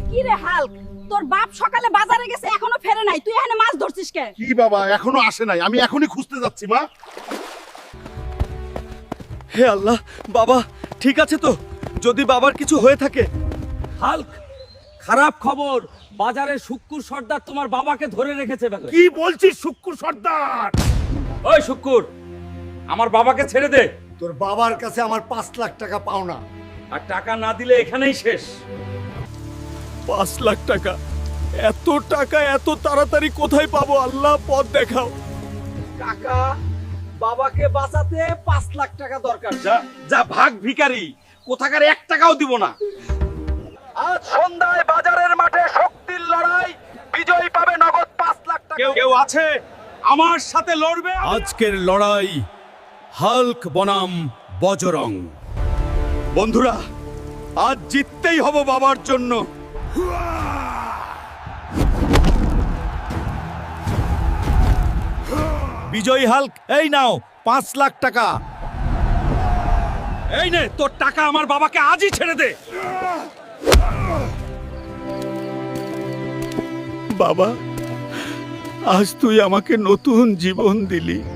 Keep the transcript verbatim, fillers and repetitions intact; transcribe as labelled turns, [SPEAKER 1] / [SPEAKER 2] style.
[SPEAKER 1] কি রে হাল্ক, তোর বাপ সকালে বাজারে গেছে এখনো ফেরে নাই, তুই এখানে মাছ ধরছিস কে?
[SPEAKER 2] কি বাবা এখনো আসে নাই, আমি এখনই খুঁজতে যাচ্ছি মা।
[SPEAKER 3] হে আল্লাহ, বাবা ঠিক আছে তো? যদি বাবার কিছু হয়ে থাকে।
[SPEAKER 4] হাল্ক, খারাপ খবর, বাজারে শুক্কুর সর্দার তোমার বাবাকে ধরে রেখেছে।
[SPEAKER 2] কি বলছিস শুক্কুর সর্দার?
[SPEAKER 4] ওই শুক্কুর, আমার বাবাকে ছেড়ে দে।
[SPEAKER 5] তোর বাবার কাছে আমার পাঁচ লাখ টাকা পাওনা।
[SPEAKER 4] আর টাকা না দিলে এখানেই শেষ।
[SPEAKER 3] পাঁচ লাখ টাকা? এত টাকা এত তাড়াতাড়ি কোথায় পাবো? আল্লাহ পথ দেখাও।
[SPEAKER 4] কাকা, বাবাকে বাঁচাতে পাঁচ লাখ টাকা দরকার। যা যা ভাগ ভিখারি, কোথাকার এক টাকাও দিব না। আজ সন্ধ্যায় বাজারের মাঠে শক্তির লড়াই, বিজয়ী পাবে নগদ পাঁচ লাখ টাকা। কেউ কেউ আছে আমার সাথে লড়বে?
[SPEAKER 3] আজকের লড়াই হাল্ক বনাম বজরং। বন্ধুরা, আজ জিততেই হব বাবার জন্য। বিজয়ী হাল্ক, এই নাও পাঁচ লাখ টাকা।
[SPEAKER 4] এই নে তোর টাকা, আমার বাবাকে আজই ছেড়ে দে।
[SPEAKER 3] বাবা, আজ তুই আমাকে নতুন জীবন দিলি।